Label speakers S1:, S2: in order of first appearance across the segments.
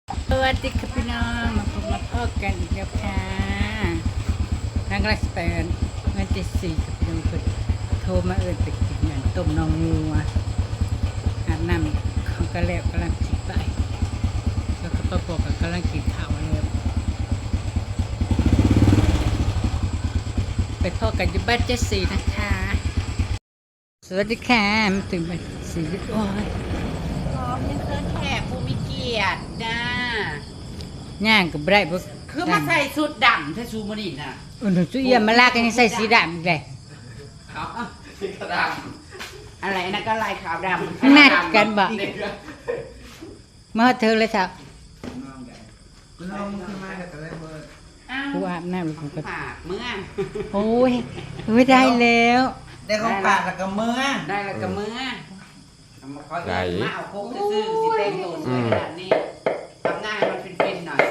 S1: สวัสดีค่ะพี่น้องมาพบมาพบกันอีกแล้วค่ะทางรัสเปนวันที่4กับพี่น้องเพิ่นโทรมาไปกินอย่างต้มน้องงัวอาบน้ำเขาก็แล้วกำลังสิไปแล้วก็ป้าบอกกำลังกินข้าวแล้วไปพ่อกันอยู่บ้านเจสีนะคะสวัสดีค่ะมาถึงบ้านสีโอ้ย
S2: พร้อมยังเคินแขกผู้มีเกียรตินะ
S1: ย่างกับไรบ่
S2: คือมาใส่ชุดดำถ้าชูมอนินน่ะ
S1: อุ่นสุเอี่ยมมาลากกันยังใส่สีดำอีกเลย
S2: สีดำอะไรนะก็ลายขาวดำ
S1: นัดกันบ่มาเธอเลยครับ
S3: น้องขึ้นมาแต่ได้เบอร์
S2: อ้าว
S1: กูอาบน้ำแล้วกูก็
S2: ฝากเมื่อ
S1: โอ้ยไม่ได้แล้ว
S3: ได้ของฝากแล้วก็เมื่อ
S2: ได้แล้วก็เมื่อเอามาคอยมาเอาโคกซื่อๆสิเต็งโดนสวยขนาดนี้ทำหน้าให้มันฟินๆหน่อย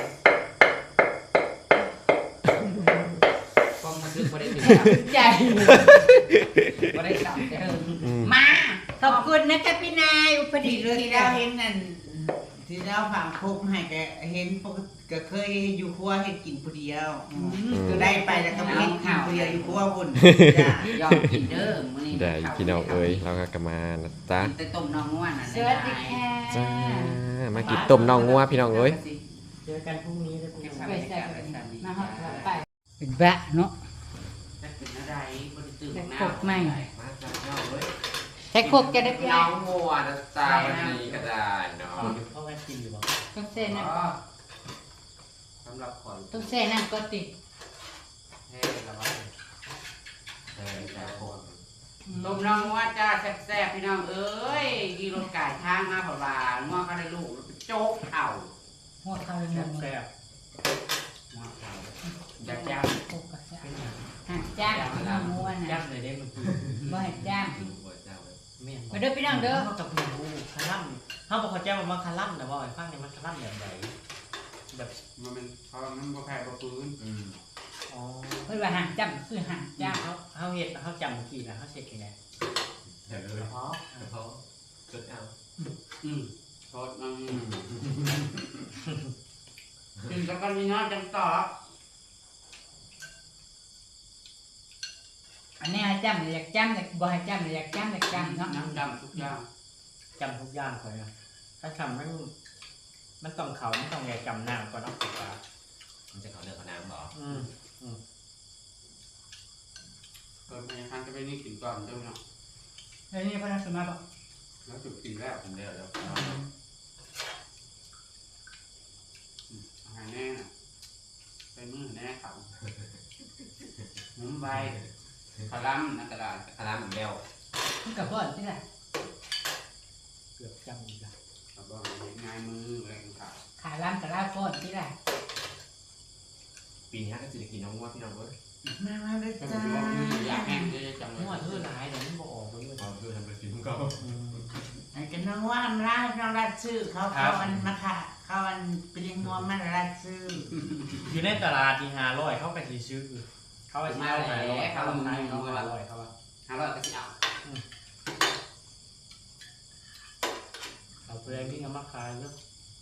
S2: กล้องมันลึกบ่ได้ถึงครับ
S1: ใจ
S2: บ่ได้สั่งเด้อมา
S1: ขอบคุณนะคะพี่นายอุป
S3: ที่
S1: ดิษฐ์
S3: เรื่องที่เราเห็นนั่นที่เราฝังคุกให้แกเห็นปกติก็เคยอยู่ครัวให้กินผู้เดียวก็ได้ไปแล้วก็ไม่เห็นกินผู้เดียวอยู่ครัวคุณจ้ะ
S2: ยอมกินเด้อมื้อนี้
S4: ได้พี่น้องเอ้ยเราก็กลับมานะจ๊ะ
S2: แต่ต้มน้องง่วนน่ะ
S1: สวัสดีค่ะ
S4: จ้ามากินต้มน่องงัวพี่น้องเอ้ย
S3: เจอกันพรุ่งนี้เลย
S1: ไปใส่มาหอดไปเป็นบ้าเนาะ
S2: จะเป็นอะไรบ่ได้ตื่น
S1: แต่
S2: หน้า
S1: โคกไม่
S4: มาจ้าพี่น้องเอ้ย
S1: แต่โคกจะได้พี่
S4: น้
S1: นา
S4: อย งงัวนะจ๊ะวันนี้ก็ได้เนาะ
S3: พ่อแม่กินอยู่บ่
S1: ต้องเส้นนะ
S2: อ๋อสำหรับคน
S1: ต้องเส้นนั่นก็ติด
S2: เฮ้ระวัง
S4: แต่คน
S2: ต้มน้องง่วนจ้าแซ่บๆพี่น้องเอ้ยกีรถไก่ทางมาเพราะว่าง่วงก็ได้ลูกโจ๊กเอา
S1: หัวเข้าเลยมัน
S3: แซ่บ
S2: ง่วงเอาอยากจ้า
S1: โคกก็จะหักจ้างน้องงัว
S3: ยั
S1: นะ
S3: บเลยได้เมื่อกี้
S1: บ่ให้จ้าง
S3: แม่
S1: มาเด้อพี่น้องเด้อ
S3: เขากับหนูคาร่ำเขาบอกเขาแจ้งว่าคาร่ำแต่ว่าไอ้ฟังเนี่ยมันคาร่ำแบบไหนแบบ
S2: มันเป็นเพราะมันบ่แพ้บ่ฟื้น
S3: อ๋อ
S1: เพิ่นว่าหักจ้ำคือหักจ้าง
S3: เขาเห็ดเขาจำเมื่อกี้นะเขาเช็คยังไง
S4: เดี๋ยวเลยเพราะจุดเอา
S2: โทษกินแล้วก็มีน้อยจังต่อ
S1: อันนี้ให้จ้ำอยากจ้ำอยากบ่ให้จ้ำอยากจ้ำอยากจ้ำเนาะ
S2: น้ำดำทุกอย่าง
S3: จำทุกอย่างเลยนะถ้าจำมันต้องเขามันต้องไงจำหน้าก่อนเนาะ
S4: มันจะขอเนื้อขอน้ำบอก
S3: อืม
S2: เกิดมาทางจะไปนี่กินก่อนเด้อเนาะ
S1: แล้วนี่พระสมมาบอก
S2: แล้วจุดกินแล้ว
S4: ผมเนื้อแล้ว
S2: อาหารแน่น่ะไปมือแน่เขามุ้มใบคาลัมนักกระดาษ
S4: คาราเหมือนแล้ว
S1: มันกับพ่อที่ไหน
S3: เกือบจำอีกแล้ว
S2: กระบอกเห็นง่ายมืออะไรต่าง
S1: ขาล้ำกับลาพ่อที่ไหน
S4: ปีนี้ก็จะกินน้องงัวพี่น้องเอ้ย
S3: มาเลย
S2: ๆก็
S3: จ้า
S2: ถือว่ามืออยากแห้งจะจังเล
S3: หัวเธอย
S2: Dạ.
S3: หลายเดี๋ยวมันบอกออกไปเลย
S4: พอเพื่อทำเป็นกินก็
S3: ไอ้กันน้องว่าทำร้านน้องรัดชื่อเขาอันมาค่ะเขาอันเป็นยังงัวมันรัดชื่อ
S5: อยู่ในตลาดที่500เขาไปสิซื้อเขาไปซื้อ500เขาลงให้เขา500เขาว่า
S2: 500ก็สิเอา
S5: เอาไปเลยพี่เอามาขายแล้ว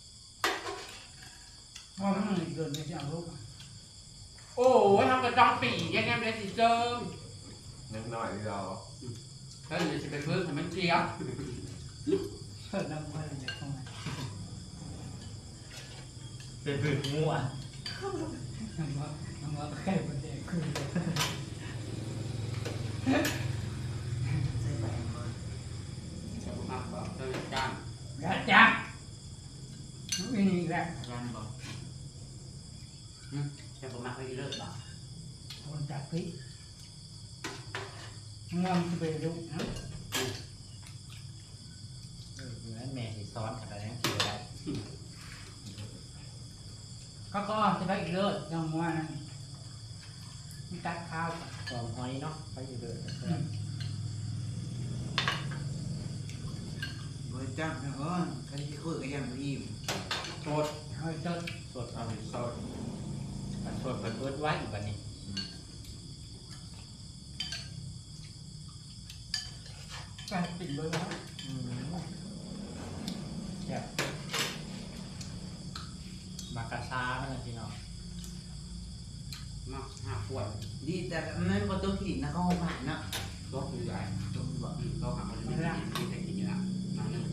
S1: พ่อมันเดินไปจะเอาลูก
S2: โอ้ยทำกระจองปียังไงไม่ได้สิเจิม
S4: นิดหน่อยเรา
S2: เฮ้ยจะไปพึ่งทำมันเจียว
S1: เปิดน้ำพ่อเลยเข้ามา
S5: เป็นผืนงัว
S1: น้ำว่าแค่ประเดี๋ยวคือ
S2: จะมาบอกจะจ้าง
S1: อยากจ้างไม่มีแล้ว
S2: จ้างบอกจะมาให้เลิกบอก
S1: คนจับพี่งอมจะไปดูนะ
S5: อยู่นั้นแม่สิซ้อนกันแล้วคืออะไร
S1: ก็จะไปอีกเลิศยังว่านั่นมีตัดข้าว
S5: หอมหอยเนาะไปอยู่เดิน
S3: บริจาคนะอ๋อคันที่คุยกับยังรีบ
S2: โทษ
S1: เอาจด
S5: สดเอาไปสดสดเปิดไว้อยู่บัดนี้
S1: การปิดเลยนะ
S5: แซ่บกระซ้ามันนะพี่น้อง
S2: มากห้าขวด
S3: ดีแต่มันบ่ต้องกินนะเขาผ่านเนาะ
S2: รถใหญ่
S3: ต้องบอก
S2: เราหาคนไม่ได้ที่จะกินอยู่แล้วนั่นนึง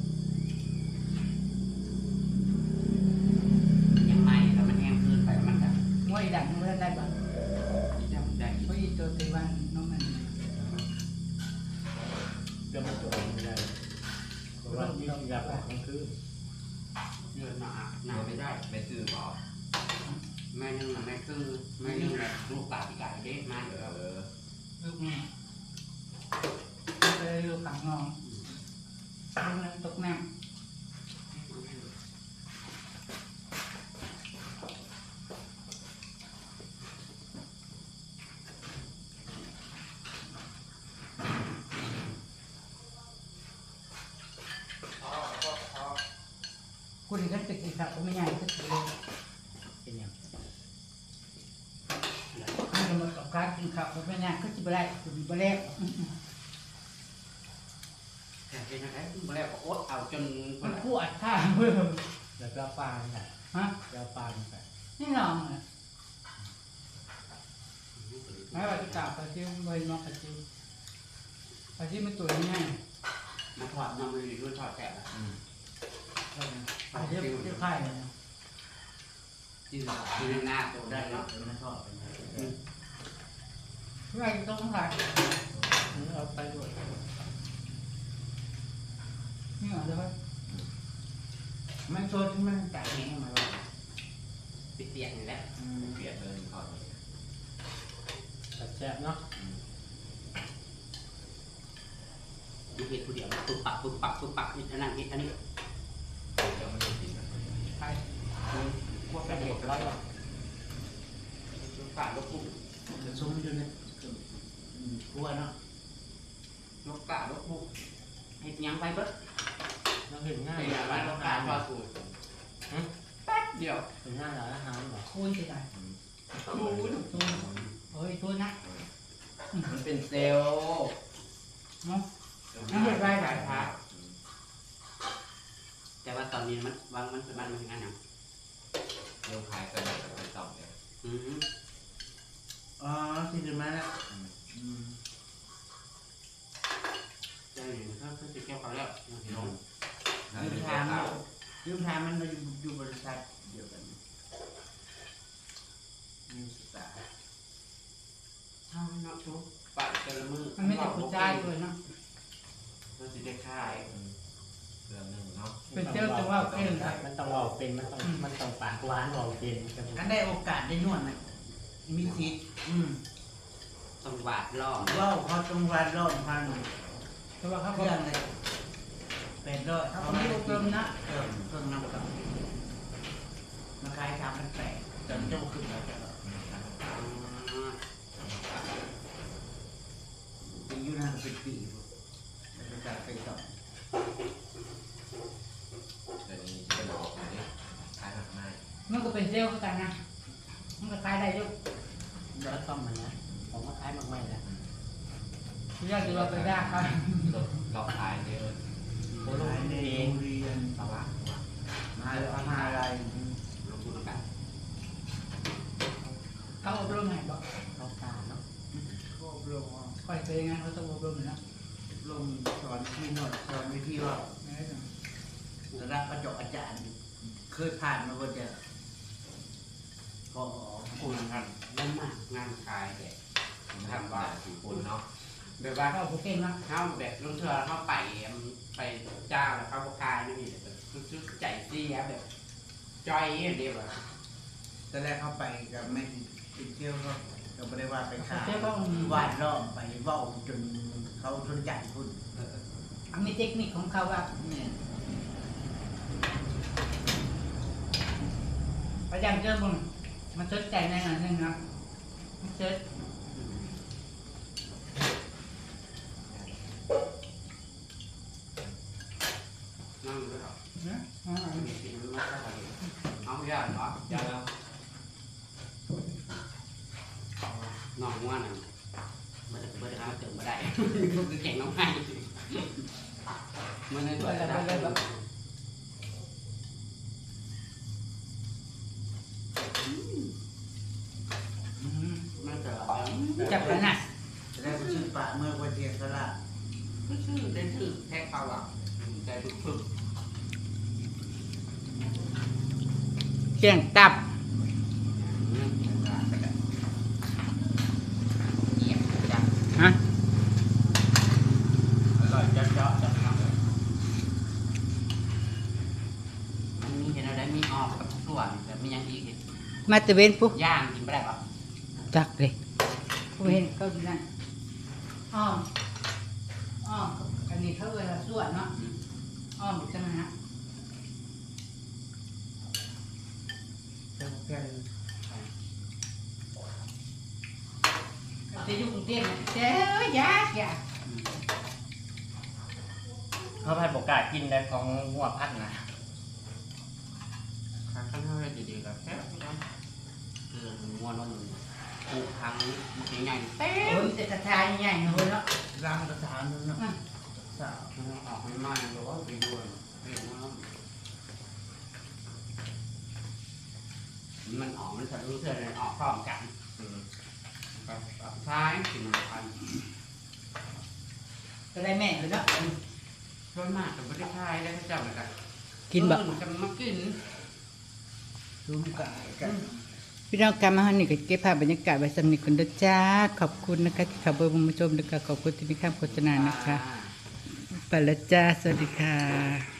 S2: ยังไม่แล้วมันแห้งขึ้นไปแล้วมันแบบ
S1: มวยดังเมื่อได้บ้าง
S2: ยังได้
S1: เพราะอีตัวตีวันน้องมัน
S5: เดี๋ยวมันจะออกไม่ได้เพราะว่าที่ยาปากมันคือ
S2: เลือดหนาหนาไม่ได้
S4: ไม่ซื้อหรอ
S2: แม่นึงนะแม่คือแม่นึงแบบลูกปลาปีกไก่เด็กมากเลย
S1: ลูกนี่เลยลูกขังงองลูกนั้นตกน้ำคุณก็จะกินข้าวก็ไม่ง่ายก็ถือเลย
S5: เป็นอย่าง
S1: มันจะมากับการกินข้าวก็ไม่ง่ายก็จะไปได้คุณไปแล้ว
S2: แต่เป็นยังไงมาแล้วก็อดเอาจน
S1: มันกู้อัดข้าวเพื่อ
S5: แล้วก็ปลาเนี่ย
S1: ฮะ
S5: แล้วปลาเนี่ย
S1: นี่ลองเลยไม่ว่าจะกลับไปที่เบย์นอกไปที่มันตัวง่าย
S2: มาถอดนำมือด้วยถอดแกะ
S1: ไปที่ไข่เลย
S2: ที่หน้าตัวได้เนาะ
S3: มันชอบเป็นไง
S1: ไข่ต้องไข่
S5: เอาไปด้วย
S1: นี่เหรอเดี๋ยว
S3: มันโซนที่มันจ่ายแห้งมาว่า
S2: ปิดเตียงนี่แหละ
S4: เปลี่ยนเลยก่อน
S5: แต่แซ่บเนาะ
S2: มีเหตุผู้เดียวปุ๊บปักปุ๊บปักปุ๊บปักนี่อันนั้นนี่อันนี้
S4: เดี๋ยวมันจะกิน
S1: ไข่
S2: พวก
S5: เป็
S2: เป็น น
S5: เห็
S2: เห็
S5: ด
S2: ด
S5: ร้
S2: ร้
S5: อ
S2: อย ย
S5: หรอ
S2: ปุ๊บปักลูกปุ๊บ
S3: จะซุ้มอยู่เนี่ยกลัวเนาะ
S2: ลูกปักลูกปุ๊บเห็ดยังไปเบิด
S5: เราเห็นง่าย
S2: เห็ดอะไร
S5: ร้าน
S2: ลู
S5: อาก
S2: ปั
S5: หาก ร
S2: ทอดสูตรแป๊บเดียว
S5: เห็นง่ายร้านอาหารเหรอ
S1: คูณสิได้
S2: คูณ
S1: คูณโอ้ยคูณนะ
S2: มันเป็นเซลล์
S1: เนาะ
S2: ขายผ้าแต่ว่าตอนนี้มันวางมันเป็นบ้านมันงานนะ
S4: เรื่องขายกันไปต่อเนี่ย
S3: อ๋อที่จะมาแล้ว
S2: ใช่ถ้าจะเกี่ยวกับแล้วน้อง
S4: นั่นเป็นแค่ข้าว
S3: ยืมทางมันมาอยู่บริษัทเดียวกันมีสตาร์
S2: ถ้าเนาะทุกปัดกันละมือ
S1: มันไม่ได้ผู้ชายด้วยเนาะ
S2: เราจะได้ขาย
S4: เรื่องหนึ่งเนาะ
S1: เป็นเจ้าจะว่าเป็น
S5: มันต้องว่าเป็นมันต้องปากหวานว่าเป็น
S3: กันได้โอกาสได้นวดนะมีสิทธิ์
S2: ต้องบาดล่อ
S3: ว่าวเขาจงวันรอบพัน
S1: เพราะว่าเขา
S3: เค
S1: บอ
S3: รื่
S1: ก
S3: องเลยเป็นร้อย
S1: เขาไม่อบรมนะ
S3: เครื่องน้ำกับมาขาย3,800จนเจ้าขึ้นแล้วจะปีอยู่นานเป็นปีเป็นการไปต่อ
S4: เดี๋ยวนี้จะบอกอย่างนี้ขายผักไม้
S1: มันก็เป็นเซลล์กันนะมันก็ขายได้ด้วย
S5: แล้วต้มมันนะผมว่าคล้ายมากไม่นะ
S1: ที่แรกเราไปได้ครับ
S4: เราขายเยอะ
S5: โอ้โห
S3: ขายใน
S5: เอ
S3: โรง งเรียน
S2: สวัสดิ์
S3: มหาลัย
S2: ลงทุนกัน
S1: เขาอบรมให้บอก
S5: เขาตาเนาะ
S3: ก็อบรม
S1: คอยเป็นยังไงเขาต้องอบรมอยู่แล้ว
S3: ลงสอนที่นวดสอนวิธีว่าระดับประจบอาจารย์ เคยผ่านมาก็จะพอ
S2: คุณครับนั่นมากงานขายแต่
S4: ทำว่าสี่คนเนาะ
S2: แบบว่า
S1: เขาเก่งนะ
S2: เข้าแบบลงเทือเข้าไปเจ้าแล้วเข้าบกายนี่มีแบบชุดใจเสียแบบจอยอย่างเดียวอะ
S3: ตอนแรกเข้าไปกับไม่ติดเที่ยวก็ไม่ได้ว่าไปขาย
S1: เจ้าต้อง
S3: วาดล้อมไปเว้าจนเขาสนใจคุณ
S1: มีเทคนิคของเขาว่า
S3: เนี่ย
S1: พยายามเจอมึงมันเชิดใจในหน่อยนึงนะมันเชิด
S2: นั่งด้วยหรอ
S1: นะ
S2: มีสิ่งมันมาเข้าไปเอาเยอะเนาะ
S4: เดี๋ยวแล้ว
S2: นอนง่วนอ่ะมันจะเปิดร้านเติมมาได้คือแข่งน้องให้มันในตัวจะได้
S1: จับกันนะ
S3: จะได้ไปชื่อปะเมื่อวันเทียนสละ
S2: ชื่อได้ชื่อแท็กเขาอ่ะใจฝึก
S1: เกี่ยงตับ
S2: เยี่ยมจัง
S1: ฮะ
S5: อร่อยเจาะๆจังครับ
S2: มันมีเห็นอะไรมีออกกับส่วนแต่มียังอีก
S1: มาตะเวนปุ๊บ
S2: ย่างกินไม่ได้ปะ
S1: จักเลยผมเห็นเขาอยู่นั่นอ้อมอันนี้เขาเวลาส่วนเนาะอ้อมจังนะ
S3: จะแกง
S1: จะอยู่กรุงเทพเนี่ยเจ้ายาก
S5: เขาพัดบอกกล้ากินได้ของหัวพัดนะ
S2: ข้างข้างห้อยดีๆกับแค่งัวนมปลูกทางใหญ่ๆเต้
S1: โอ้ยแต่กระทายใหญ่ๆเลยเนาะ
S3: ร่างกระถางนึงเนาะสาว
S2: ออกให้มาหรือว่าไปด้วยมันออกมันจะรู้เท่าไรออกพร้อมกันท้ายกินมันพัน
S1: ก็ได้แม่เลยเนาะ
S2: ส่วนมากจะไม่ได้ทายได้เจ้าเหมือนกัน
S1: กินแบบ
S2: จะมากิน
S3: ซุ้มกะกัน
S1: พี่น้องการมาฮันนี่ก็เก็บภาพบรรยากาศไว้สำนึกคนเด้อจ้าขอบคุณนะคะที่ขับเบอร์มาชมนะคะขอบคุณที่มีข้ามโฆษณานะคะไปแล้วจ้าสวัสดีค่ะ